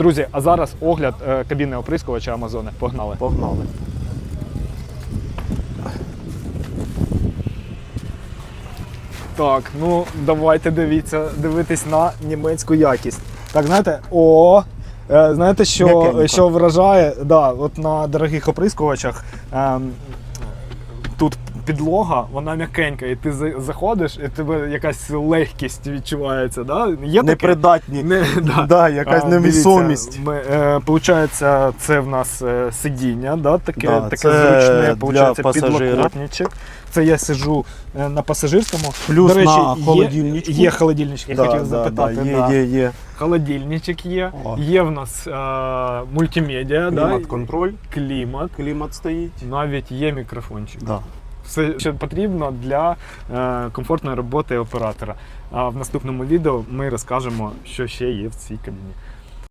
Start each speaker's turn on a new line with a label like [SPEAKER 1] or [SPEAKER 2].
[SPEAKER 1] Друзі, а зараз огляд кабіни оприскувача Амазони. Погнали.
[SPEAKER 2] Погнали.
[SPEAKER 1] Так, ну давайте дивитись на німецьку якість. Так, знаєте, знаєте, що вражає, да, от на дорогих оприскувачах тут підлога, вона м'якенька, і ти заходиш, і тебе якась легкість відчувається. Да? Є
[SPEAKER 2] непридатні, якась невісомість.
[SPEAKER 1] Получається, це в нас сидіння, да? таке
[SPEAKER 2] зручне,
[SPEAKER 1] получається підлокотничок. Це я сиджу на пасажирському.
[SPEAKER 2] Плюс
[SPEAKER 1] до речі,
[SPEAKER 2] на холодильничку.
[SPEAKER 1] Є холодильничок, я хотів запитати.
[SPEAKER 2] Є.
[SPEAKER 1] Холодильничок є. Є в нас мультимедіа.
[SPEAKER 2] Клімат-контроль.
[SPEAKER 1] Клімат
[SPEAKER 2] стоїть.
[SPEAKER 1] Навіть є мікрофончик.
[SPEAKER 2] Да.
[SPEAKER 1] Все, що потрібно для комфортної роботи оператора. А в наступному відео ми розкажемо, що ще є в цій кабіні.